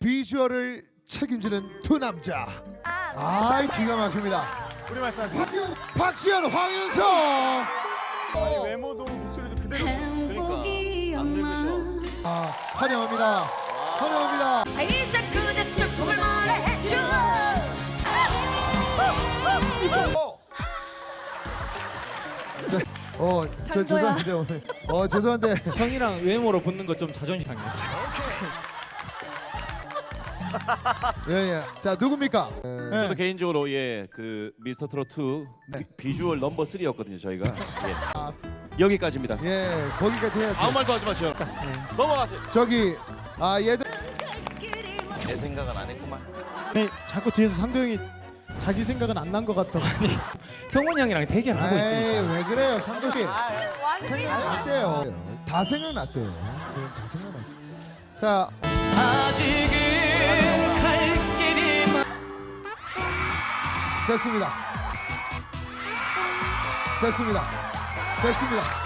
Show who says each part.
Speaker 1: 비주얼을 책임지는 두 남자. 기가 막힙니다.
Speaker 2: 우리 말씀하세요.
Speaker 1: 박지현, 황윤성.
Speaker 2: 아니, 외모도 목소리도 그대로. 그러니까 안 늙으셔.
Speaker 1: 환영합니다. 환영합니다.
Speaker 3: 이제 그대 슬픔을 말해줘.
Speaker 1: 저 죄송한데 오늘 죄송한데
Speaker 4: 형이랑 외모로 붙는 거 좀 자존심 상했지.
Speaker 1: 예. 자 누굽니까?
Speaker 5: 저도 개인적으로 그 미스터 트롯 2 비주얼 넘버 3였거든요 저희가. 여기까지입니다.
Speaker 1: 예, 거기까지 해야죠.
Speaker 5: 아무 말도 하지 마시오. 넘어가세요.
Speaker 1: 저기 예전
Speaker 5: 내 생각은 안 했구만.
Speaker 2: 아니, 자꾸 뒤에서 상도형이 자기 생각은 안 난 것 같다고.
Speaker 4: 성훈이 형이랑 대결 하고 있으니까.
Speaker 1: 왜 그래요, 상도 씨?
Speaker 3: 완승이다.
Speaker 1: 생각났대요. 다 생각났대요. 다 생각났죠. 자,
Speaker 4: 아직은 갈 길이
Speaker 1: 됐습니다. 됐습니다. 됐습니다.